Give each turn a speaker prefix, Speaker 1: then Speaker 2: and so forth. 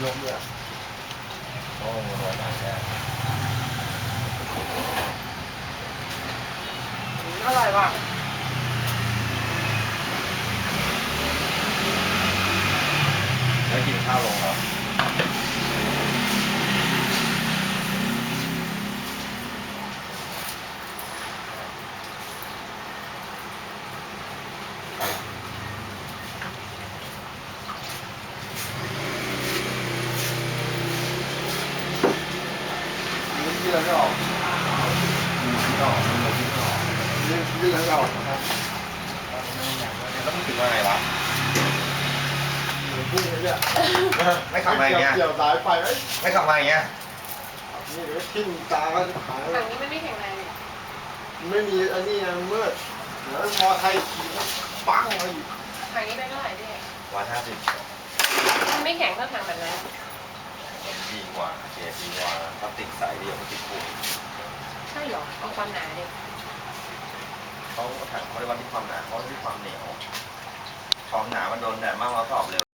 Speaker 1: ลมด้วยโอ้โหร้อนมากเลย
Speaker 2: อร่อยว่ะ
Speaker 1: แล้วกินข้าวลงเหรอเรื่องไม่ออกไม่ออกไม่ออกเรื่องไม่ออกนะครับแล้วมึงถึงมาไงวะพูดเลยเนี่ยไม่ขับมาอย่างเงี้ยเกี่ยวสายไฟไม่ขับมาอย่างเงี้ยนี่เดี๋ยวทิ้งตาก็หาย
Speaker 2: ฝั่งนี้ไม่แข็งแรงเลย
Speaker 1: ไม่มีอันนี้ยังมืดเดี๋ยวมอไทยขี่ปังมาอยู่
Speaker 2: ฝั่งนี้ได้เท่าไหร่พี่
Speaker 1: 150
Speaker 2: มันไม่แข็งเท่าถังแบบนั้น
Speaker 1: ดีกว่าเกียร์ดีกว่าพลาสติกใสดีกว่าพลาสติกปูน
Speaker 2: ใช่เหรอเอาความหนาดิ
Speaker 1: เขาถังเขาได้วัดที่ความหนาเขาวัดที่ความเหนียวความหนามันโดนแดดมากเราตอบเร็ว